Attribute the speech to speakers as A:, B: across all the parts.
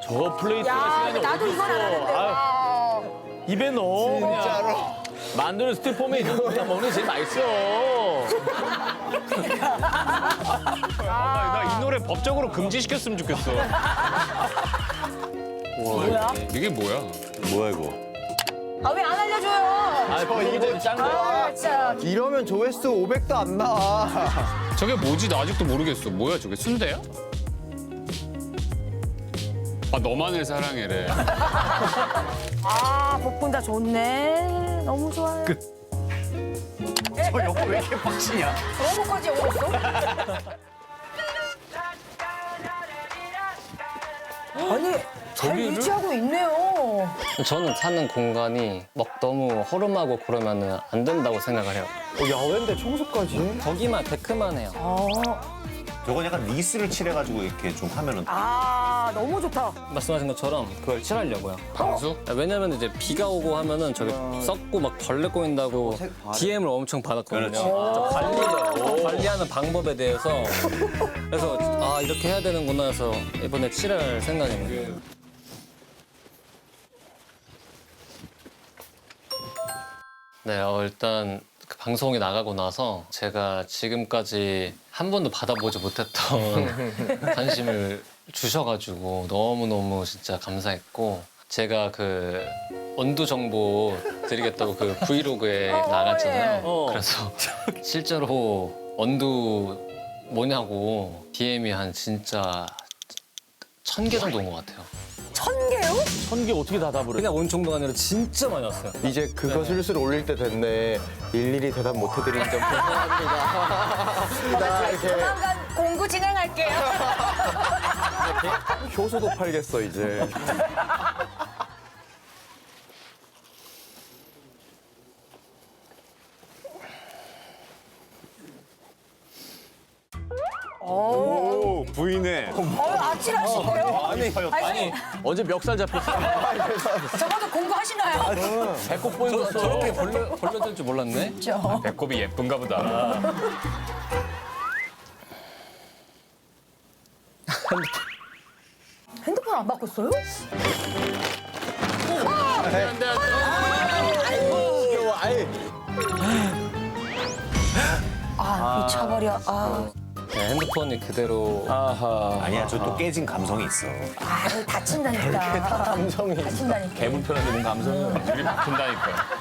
A: 저 플레이트가
B: 야,
A: 시간이
B: 나도 이건 안 하는데. 와.
A: 입에 넣어. 진짜로. 만두는 스티로폼에 있는 거 그냥 먹는 게 제일 맛있어.
C: 나 이 노래 법적으로 금지시켰으면 좋겠어.
B: 뭐야?
C: 이게 뭐야?
D: 뭐야 이거?
B: 아, 왜 안 알려줘요?
A: 아, 이거 짠 거야.
B: 아, 진짜.
E: 이러면 조회수 500도 안 나와.
C: 저게 뭐지? 나 아직도 모르겠어. 뭐야 저게? 순대야? 아 너만을 사랑해래.
B: 아, 복분다 좋네. 너무 좋아요.
D: 저 여보 왜 이렇게 빡치냐?
B: 너무까지 어렸어? 아니, 잘 유지하고 있네요.
F: 저는 사는 공간이 막 너무 허름하고 그러면 안 된다고 생각을 해요.
E: 야외인데 청소까지?
F: 거기만 데크만 해요.
D: 저건 약간 니스를 칠해가지고 이렇게 좀 하면은
B: 아, 너무 좋다.
F: 말씀하신 것처럼 그걸 칠하려고요.
C: 방수?
F: 왜냐면 이제 비가 오고 하면은 저기 썩고 막 벌레 꼬인다고 DM을 엄청 받았거든요. 저 관리하는 방법에 대해서 그래서 아 이렇게 해야 되는구나 해서 이번에 칠할 생각입니다. 네, 일단 그 방송이 나가고 나서 제가 지금까지 한 번도 받아보지 못했던 관심을 주셔가지고 너무너무 진짜 감사했고 제가 그 원두 정보 드리겠다고 그 브이로그에 나갔잖아요. 그래서 실제로 원두 뭐냐고 DM이 한 진짜 1000개 정도 온 것 같아요.
B: 1000개요?
A: 1000개 어떻게 다 답을 해?
F: 그냥 온 정도가 아니라 진짜 많이 왔어요.
E: 이제 그거 슬슬 올릴 때 됐네. 일일이 대답 못 해드린 점 죄송합니다. 이렇게
B: 조만간 공구 진행할게요.
E: 효소도 팔겠어 이제.
D: 오 부인네.
B: 아찔하신 거예요?
A: 아니, 어제 멱살 잡혔어.
B: 적어도 공부하시나요?
A: 배꼽 보였어.
F: 저렇게 벌려질 줄 몰랐네.
C: 배꼽이 예쁜가 보다.
B: 핸드폰 안 바꿨어요? 아, 미쳐버려. 아,
F: 네, 핸드폰이 그대로
D: 아니야 저 또 깨진 감성이 있어.
B: 다친다니까.
E: 감성이.
B: 다친다니까.
A: 개불편한데 뭔 감성이야.
C: 우리 바꾼다니까.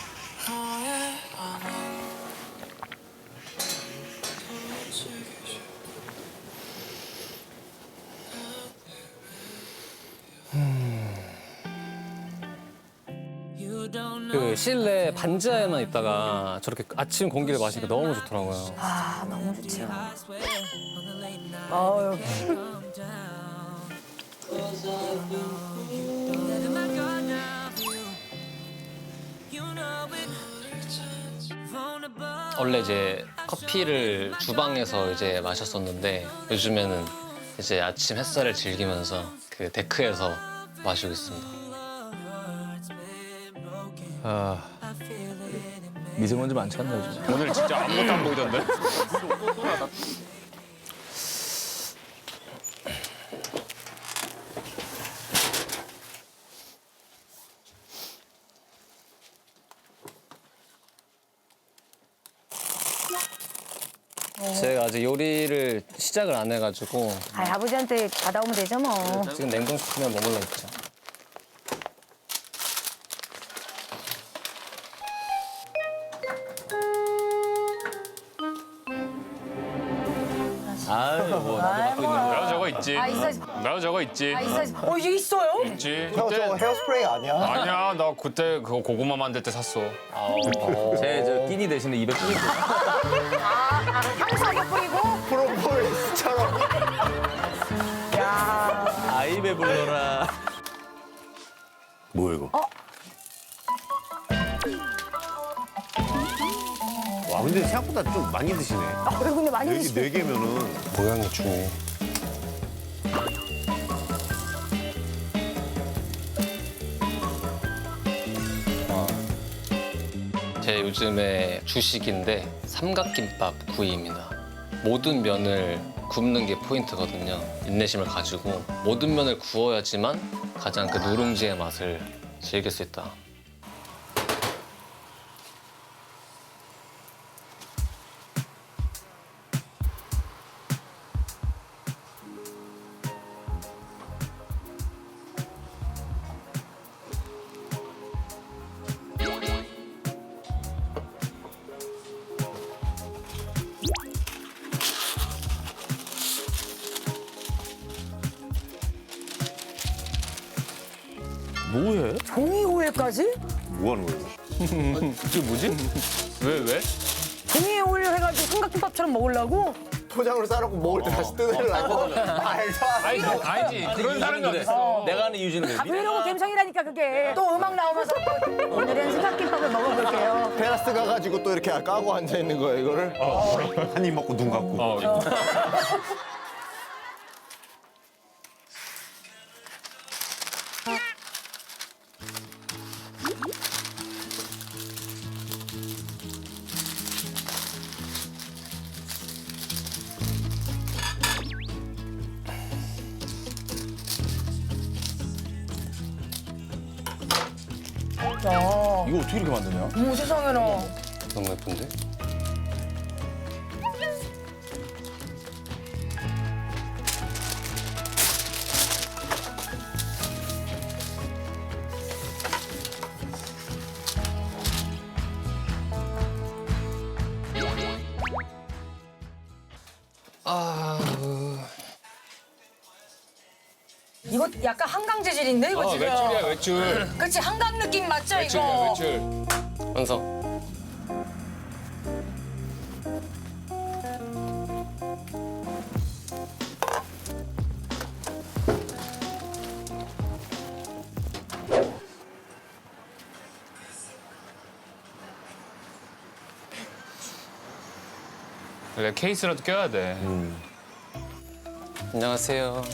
F: 그 실내 반지하에만 있다가 저렇게 아침 공기를 마시니까 너무 좋더라고요.
B: 아, 너무 좋지요. 아유.
F: 원래 이제 커피를 주방에서 이제 마셨었는데 요즘에는 이제 아침 햇살을 즐기면서 그 데크에서 마시고 있습니다.
A: 미세먼지 많지 않나 요즘?
C: 오늘 진짜 아무것도 안 보이던데?
F: 제가 아직 요리를 시작을 안 해가지고
B: 아, 아버지한테 받아오면 되죠, 뭐.
F: 지금 냉동식품에 머물러 있죠.
A: 아유, 뭐, 나도 갖고 있는 거야.
C: 나도 저거 있지.
B: 아, 있어.
C: 나도 저거 있지.
B: 아, 있어. 이게 있어요?
C: 있지.
E: 형 저거 헤어스프레이 아니야?
C: 아니야 나 그때 그거 고구마 만들 때 샀어.
A: 제 끼니 대신에 입에 끼니 줘.
B: 향수하게 뿌리고.
E: 프로폴리스처럼.
B: 야.
A: 아이 배불러라.
D: 뭐야 이거? 와 근데 생각보다 좀 많이 드시네.
B: 아, 그래, 근데 많이 드시네.
D: 네 개면은
F: 모양이 중요해. 제 요즘에 주식인데 삼각김밥 구이입니다. 모든 면을 굽는 게 포인트거든요. 인내심을 가지고 모든 면을 구워야지만 가장 그 누룽지의 맛을 즐길 수 있다.
A: 뭐해?
B: 종이 호일까지?
D: 뭐 하는 거예요?
A: 그게 뭐지?
C: 왜?
B: 종이 호일 해가지고 삼각김밥처럼 먹으려고?
E: 포장으로 싸놓고 먹을 때 다시 뜯으려고. 말도 안 돼.
C: 아니지. 그런 사람이 어딨어.
A: 내가 아는 이유지는 그래.
B: 브이로그 감성이라니까 그게. 또 음악 나오면서 또 오늘은 삼각김밥을 먹어볼게요.
E: 테라스 가가지고 또 이렇게 까고 앉아 있는 거예요, 이거를.
D: 한 입 먹고 눈 감고.
B: 야,
A: 이거 어떻게 이렇게 만드냐?
B: 어머 세상에나.
F: 너무 예쁜데?
B: 이거 약간 한강 재질인데 이거 지금.
C: 외출이야, 외출.
B: 그렇지 한강 느낌 맞죠
C: 외출이야,
B: 이거?
C: 외출.
F: 완성.
C: 그래, 케이스라도 껴야 돼.
F: 안녕하세요.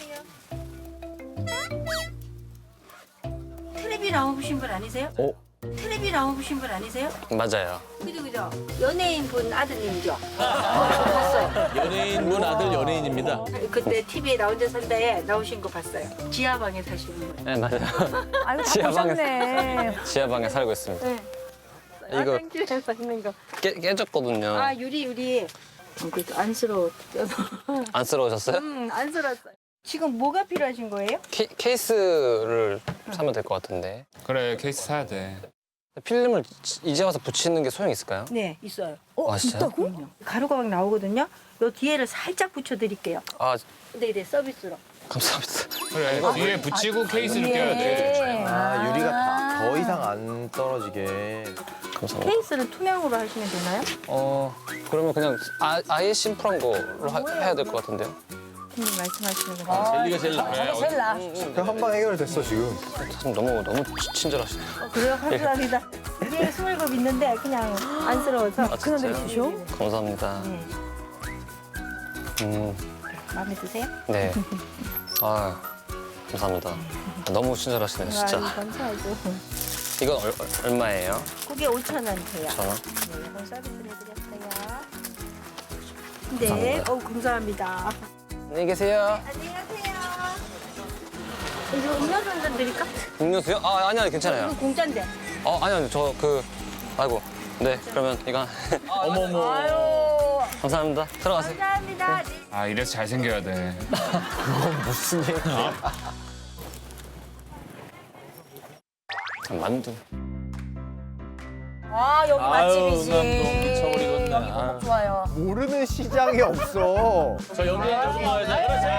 G: 텔레비 나오신 분 아니세요? 텔레비 나오신 분 아니세요?
F: 맞아요.
G: 그죠. 연예인 분 아드님이죠? 봤어요.
A: 연예인분 아들 연예인입니다.
G: 그때 TV에 나 혼자 산다에 나오신 거 봤어요. 지하방에 사시는 거예요.
F: 네, 맞아요.
B: 아이고 다
F: 지하방에서.
B: 보셨네.
F: 지하방에 살고 있습니다.
G: 네.
F: 이거
G: 화장실에서 있는 거.
F: 깨졌거든요.
G: 아 유리. 그래도 안쓰러워.
F: 안쓰러우셨어요?
G: 안쓰러웠어요. 지금 뭐가 필요하신 거예요?
F: 케이스를 사면 될 것 같은데.
C: 그래, 케이스 사야 돼.
F: 필름을 이제 와서 붙이는 게 소용 있을까요?
G: 네, 있어요.
F: 아, 진짜요?
G: 그럼요. 가루가 막 나오거든요. 요 뒤에를 살짝 붙여드릴게요.
F: 아,
G: 네, 서비스로.
F: 감사합니다.
C: 그래, 뒤에 붙이고 케이스를 껴야 돼.
E: 아, 유리가 더 이상 안 떨어지게.
F: 감사합니다.
G: 케이스를 투명으로 하시면 되나요?
F: 그러면 그냥 아예 심플한 걸로 해야 될 것 같은데요?
G: 말씀하시는 거.
A: 젤리가 제일 나.
B: 저거 제일 나.
E: 한 방 해결됐어, 지금.
F: 참 너무 친절하시네요.
G: 그래요? 감사합니다. 위에 20급 있는데 그냥 안쓰러워서.
B: 그냥 내주시오.
F: 감사합니다.
G: 마음에 드세요?
F: 네. 아, 감사합니다. 너무 친절하시네요, 진짜.
G: 아유, 감사하죠.
F: 이건 얼마예요?
G: 그게 5,000원 돼요.
F: 1,000원?
G: 네, 이건 서비스를 해드렸어요. 네, 감사합니다.
F: 안녕히 계세요.
G: 안녕히 가세요. 이거 음료수 한 잔 드릴까?
F: 음료수요? 아, 아니요, 괜찮아요.
G: 이거 공짜인데.
F: 아니요, 아이고. 네, 그러면 이거.
A: 어머머.
B: 아유.
F: 감사합니다. 들어가세요.
G: 감사합니다.
C: 아, 이래서 잘생겨야 돼.
E: 무슨 얘기야.
F: 만두.
B: 아 여기 맛집이지.
A: 응암동 미쳐버리겠네.
B: 여기 너무 좋아요.
E: 모르는 시장이 없어.
A: 저 연예인 조금 나와야지. 그렇지.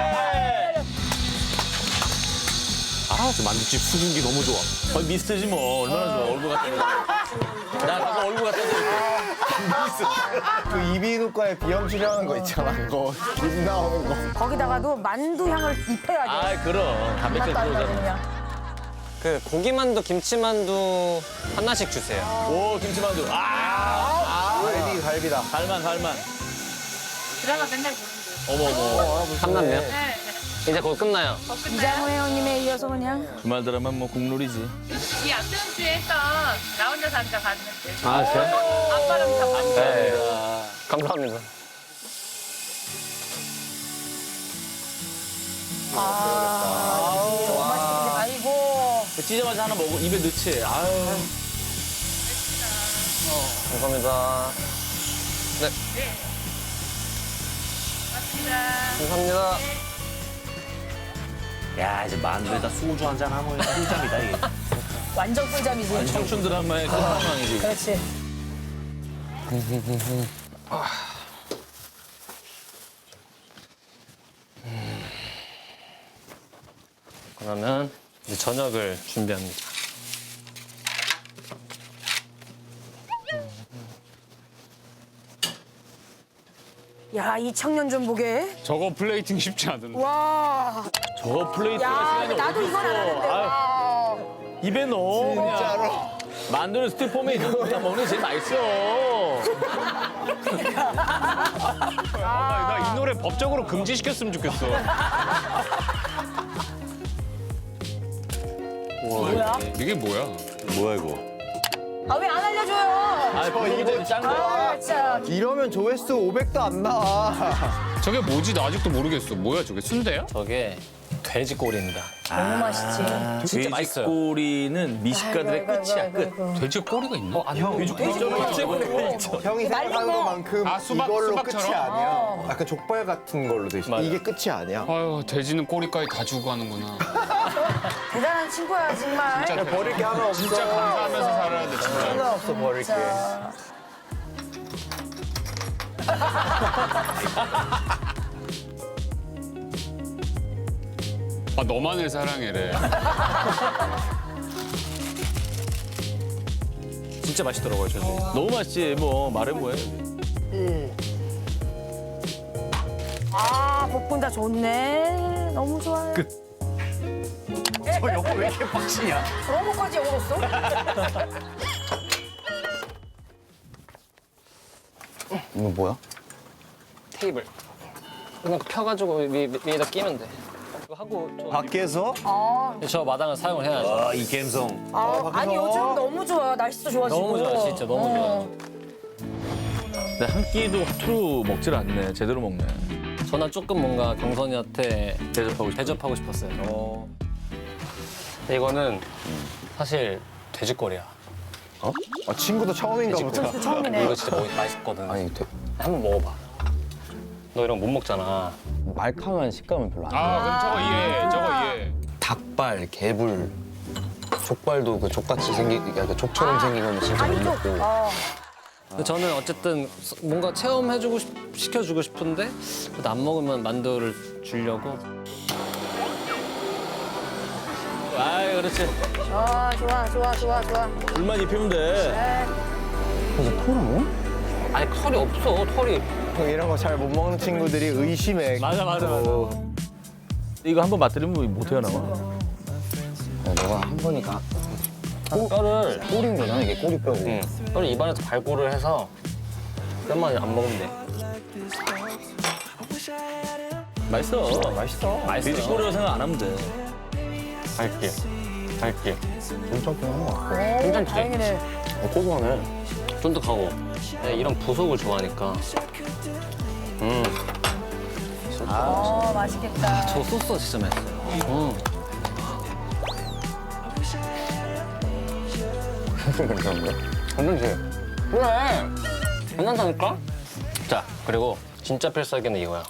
D: 아, 저 만두집 수분기 너무 좋아.
A: 거의 미스트지 뭐. 얼마나 좋아. 얼굴 갖다 대. 나 가서 얼굴 갖다 대.
E: 그 이비인후과에 비염 치료하는 거 있잖아, 그거. 입 나오는 거.
B: 거기다가도 만두 향을 입혀야 돼.
A: 아, 그럼. 단백질
B: 맛도 안
A: 들어오잖아.
B: 나거든요.
F: 그 고기만두, 김치만두 하나씩 주세요.
A: 오, 김치만두.
E: 갈비다.
A: 갈만.
G: 드라마 맨날 보는데.
A: 어머머.
F: 삼남면? 이제 곧 끝나요.
B: 이장호 회원님에 이어서 그냥.
A: 주말 드라마 뭐 국룰이지.
H: 이 앞전 주에 했던 나 혼자 산다 봤는데
F: 아, 진짜요?
H: 아빠랑 다 봤는데
F: 네. 감사합니다.
B: 아이고.
A: 찢어가지고 하나 먹고 입에 넣지. 아유.
F: 감사합니다. 네. 감사합니다.
D: 야 이제 만두에다 소주 한잔 하면 꿀잠이다 이게.
B: 완전 꿀잠이지.
A: 청춘 드라마의 끝판왕이지.
B: 그렇지.
F: 그러면 이제 저녁을 준비합니다.
B: 야, 이 청년 좀 보게.
C: 저거 플레이팅 쉽지 않은데.
B: 와.
A: 저 플레이트가
B: 야,
A: 시간이
B: 나도
A: 어디
B: 이건 안
A: 있어.
B: 하는데.
A: 아유,
B: 와.
A: 입에 넣어.
E: 진짜로.
A: 그냥. 만두는 스티로폼에 있는 거 그냥 먹는 게 제일 맛있어.
C: 나 이 노래 법적으로 금지시켰으면 좋겠어.
B: 뭐야?
C: 이게 뭐야?
D: 뭐야 이거?
B: 아, 왜 안 알려줘요?
A: 아, 이거 짠 거.
B: 아, 진짜.
E: 이러면 조회수 500도 안 나와.
C: 저게 뭐지? 나 아직도 모르겠어. 뭐야 저게? 순대야?
F: 저게 돼지꼬리입니다.
B: 너무 맛있지.
A: 진짜 맛있어요. 꼬리는 미식가들의
B: 아이고,
A: 끝이야,
B: 아이고,
A: 끝.
B: 아이고.
C: 돼지 꼬리가 있나?
E: 형이 생각한 것만큼
C: 아, 수박,
E: 이걸로
C: 수박처럼?
E: 끝이 아니야. 약간 족발 같은 걸로 돼 있어.
F: 맞아.
E: 이게 끝이 아니야.
C: 아유 돼지는 꼬리까지 다 주고 하는구나.
B: 대단한 친구야, 정말.
C: 진짜
E: 버릴 게 하나 없어.
C: 진짜 감사하면서 살아야 돼 진짜.
E: 하나 없어 버릴 게.
B: 진짜.
C: 아 너만을 사랑해래.
F: 진짜 맛있더라고요, 저게.
A: 너무 맛있지, 뭐. 말해 뭐해.
B: 아, 볶음다 좋네. 너무 좋아요.
D: 저 여보 왜 이렇게 빡치냐?
B: 그런 것까지 열었어?
E: 이거 뭐야?
F: 테이블. 그냥 펴가지고 위에다 끼면 돼. 이거 하고
D: 밖에서?
F: 저 마당을 사용을 해야죠.
D: 아이 감성.
B: 아니, 요즘 너무 좋아. 날씨도 좋아지고.
F: 너무 좋아, 진짜 너무 좋아.
A: 근데 한 끼도 허투루 먹질 않네. 제대로 먹네.
F: 저는 조금 뭔가 경선이한테 대접하고 싶었어요. 근데 이거는 사실 돼지꼬리야.
E: 아, 친구도 처음인가 보다.
B: 그 처음이네.
F: 이거 진짜 맛있거든.
E: 아니,
F: 한번 먹어봐. 너 이런 거 못 먹잖아.
I: 말캉한 식감은 별로 안 좋아.
C: 아 그럼 저거 이해해. 저거 이해해.
I: 닭발, 개불, 족발도 그 족같이 그 족처럼 생긴 거는 진짜 못
B: 아니, 좀.
I: 먹고.
F: 근데 저는 어쨌든 뭔가 체험해주고 시켜주고 싶은데 그래도 안 먹으면 만두를 주려고.
A: 아이, 그렇지.
B: 아, 좋아.
A: 불만 입히면 돼.
F: 아니 털이 없어, 털이.
E: 이런 거 잘 못 먹는 친구들이 의심해.
A: 맞아. 이거 한번 맛들이면 못 헤어나와.
I: 너가 한 번이니까
F: 뼈를
I: 꼬리인 거잖아, 이게 꼬리뼈고.
F: 뼈를 입안에서 발골을 해서 뼈만 안 먹으면 돼.
A: 맛있어.
F: 맛있어.
A: 돼지꼬리라고 생각 안 하면 돼.
F: 갈게.
E: 괜찮긴 한 것 같아.
F: 괜찮지?
B: 다행이네.
F: 고소하네. 쫀득하고. 내가 이런 부속을 좋아하니까.
B: 맛있겠다.
F: 저 소스가 진짜 맛있어요.
I: 괜찮은데?
F: 괜찮지? 그래. 괜찮다니까? 자, 그리고 진짜 필살기는 이거야.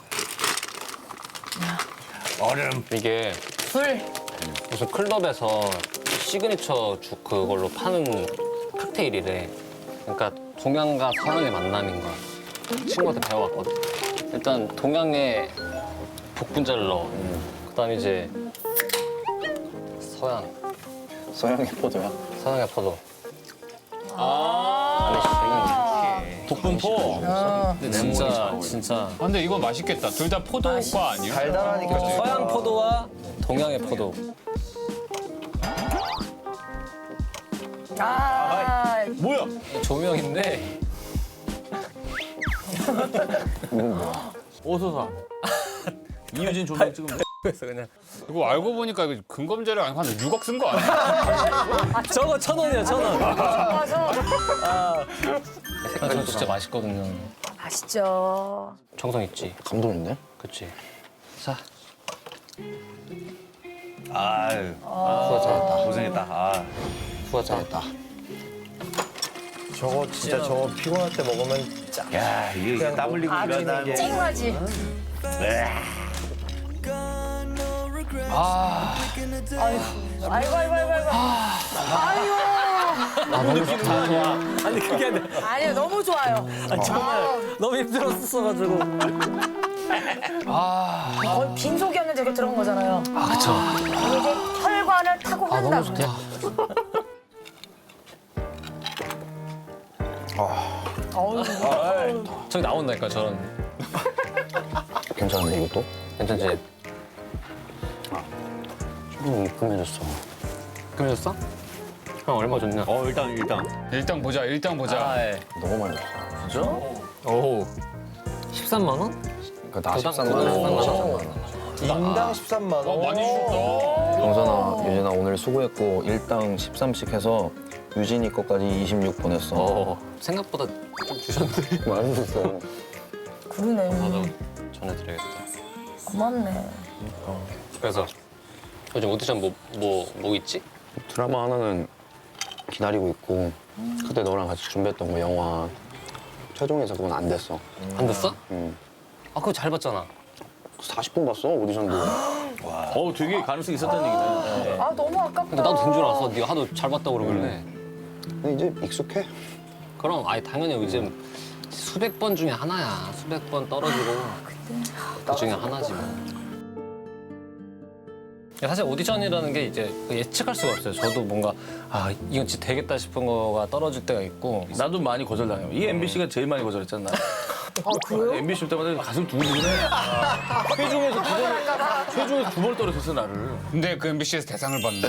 F: 얼음. 이게
B: 술.
F: 무슨 클럽에서 시그니처 죽 그걸로 파는 칵테일이래. 그러니까 동양과 서양의 만남인 거야. 친구한테 배워왔거든. 일단 동양의 복분자를 넣어. 그다음에 이제
I: 서양의 포도야?
F: 서양의 포도. 안에
A: 독분포.
F: 근데 진짜
C: 아, 근데 이거 맛있겠다. 둘 다 포도과 아니야?
E: 달달하니까.
F: 서양 포도와 동양의 포도.
B: 아,
A: 뭐야?
F: 조명인데
A: 어서 사. 이유진 조명 찍으면 돼.
F: 그래서 그냥
C: 이거 알고 보니까 이거 근검자료 한 6억 쓴 거 아니야?
F: 저거 1,000원이야 1,000원.
B: 맞아.
F: 저 진짜 맛있거든요.
B: 맛있죠.
F: 정성 있지.
I: 감동 있네?
F: 그치. 자
D: 아유,
I: 후가 잘했다.
D: 고생했다. 아.
I: 후가 잘했다.
E: 저거 진짜 저거 피곤할 때 먹으면 짱.
D: 야, 이게 땀 흘리고 일하는 거.
B: 쨍하지. 아이고 아이고 아이고 아이고. 아이고.
F: 아니 그게 아니라
B: 아니요 너무 좋아요.
F: 정말 너무 힘들었어가지고.
B: 거의 빈속이었는데 이렇게 들어온 거잖아요.
F: 아 그쵸.
B: 이게 이제 혈관을 타고
F: 너무
B: 한다.
F: 좋다. 저기 나온다니까 저런.
I: 괜찮은데 이것도? 괜찮지? 좀 입금해줬어.
F: 그러셨어? 형 얼마 줬냐?
D: 일단 보자.
C: 일당 보자.
F: 아 예.
I: 너무 많이 줬어.
F: 오. 13만 원?
I: 그러니까 나 13만 원.
E: 인당 13만 원.
C: 많이 주셨다.
I: 정선아, 유진아 오늘 수고했고 일당 13씩 해서 유진이 거까지 26 보냈어.
F: 생각보다 좀 주셨는데.
I: 많이 줬어.
B: 그러네.
F: 나도 전해드려야겠다.
B: 고맙네.
F: 그래서 요즘 오디션 뭐 있지?
I: 드라마 하나는 기다리고 있고 그때 너랑 같이 준비했던 거 영화 최종에서 그건 안 됐어.
F: 안 됐어?
I: 응.
F: 아 그거 잘 봤잖아.
I: 40분 봤어 오디션도.
A: 되게 가능성이 있었다는 얘기네.
B: 아 너무 아깝다.
F: 근데 나도 된 줄 알았어. 네가 하도 잘 봤다고 그러길래.
I: 근데 이제 익숙해.
F: 그럼 아니 당연히 요즘 수백 번 중에 하나야. 수백 번 떨어지고 그 중에 하나지 뭐. 사실 오디션이라는 게 이제 예측할 수가 없어요. 저도 뭔가 아 이건 진짜 되겠다 싶은 거가 떨어질 때가 있고.
A: 나도 많이 거절당해요. 이 MBC가 제일 많이 거절했잖아.
B: 아 그래요?
A: MBC 올 때마다 가슴 두근두근해. 최종에서 두 번 떨어졌어 나를.
C: 근데 그 MBC에서 대상을 받네.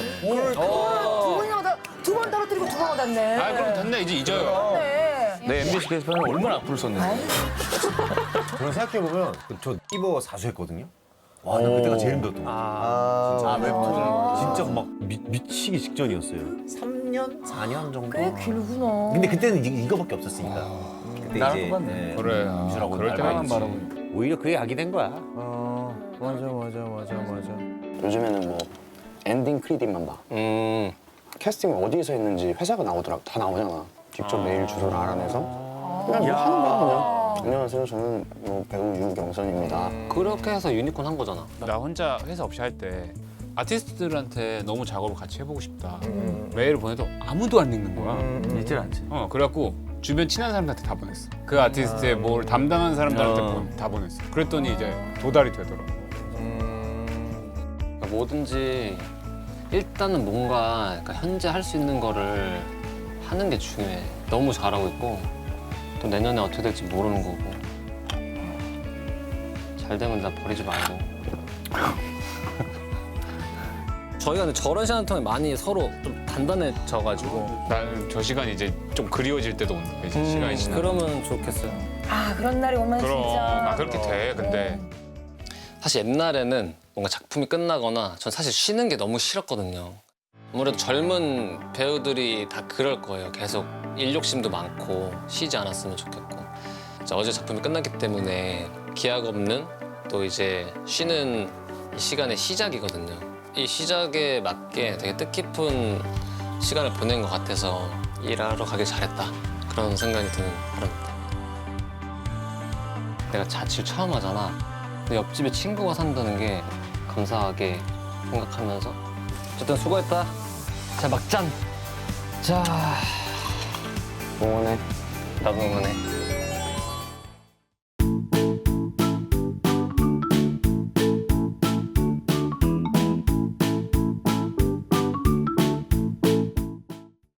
B: 두 번 떨어뜨리고 두 번 얻었네.
C: 아 그럼 됐네 이제 잊어요.
B: 네.
A: 내 MBC 게시판에 얼마나 악플을 썼는데.
D: 그런 생각해보면 저 이버 사수했거든요. 와, 나 그때가 제일 힘들었던 거
E: 아,
D: 웹툰. 진짜 막 미치기 직전이었어요. 3년? 4년 정도?
B: 꽤 길구나.
D: 근데 그때는 이거밖에 없었으니까. 그때
A: 나랑
D: 이제
A: 똑같네.
C: 그래.
D: 유주라고
C: 그럴 때만
D: 알고
C: 바라보.
D: 있지. 오히려 그게 약이 된 거야.
E: 맞아.
I: 요즘에는 뭐 엔딩 크레딧만 봐. 캐스팅을 어디에서 했는지 회사가 나오더라. 다 나오잖아. 직접 메일 주소를 알아내서 그냥 뭐 하는 거야 그냥. 안녕하세요. 저는 뭐 배우 유경선입니다.
F: 그렇게 해서 유니콘 한 거잖아.
C: 나 혼자 회사 없이 할 때 아티스트들한테 너무 작업을 같이 해보고 싶다. 메일을 보내도 아무도 안 읽는 거야.
A: 읽질 않지.
C: 그래갖고 주변 친한 사람들한테 다 보냈어. 그 아티스트의 뭘 담당한 사람들한테 다 보냈어. 그랬더니 이제 도달이 되더라고.
F: 그러니까 뭐든지 일단은 뭔가 그러니까 현재 할 수 있는 거를 하는 게 중요해. 너무 잘하고 있고 또 내년에 어떻게 될지 모르는 거고 잘 되면 나 버리지 말고. 저희가 근데 저런 시간 통에 많이 서로 좀 단단해져가지고
C: 나는 저 시간이 이제 좀 그리워질 때도 온다. 이제 시간이 지나.
F: 그러면 좋겠어요.
B: 아 그런 날이 오면
C: 그럼
B: 진짜.
C: 그렇게 돼. 근데
F: 사실 옛날에는 뭔가 작품이 끝나거나 전 사실 쉬는 게 너무 싫었거든요. 아무래도 젊은 배우들이 다 그럴 거예요. 계속 일 욕심도 많고 쉬지 않았으면 좋겠고. 어제 작품이 끝났기 때문에 기약 없는 또 이제 쉬는 이 시간의 시작이거든요. 이 시작에 맞게 되게 뜻깊은 시간을 보낸 것 같아서 일하러 가길 잘했다. 그런 생각이 드는 하루입니다. 내가 자취를 처음 하잖아. 근데 옆집에 친구가 산다는 게 감사하게 생각하면서 어쨌든 수고했다. 자 막잔. 자
I: 응원해.
F: 나도 응원해.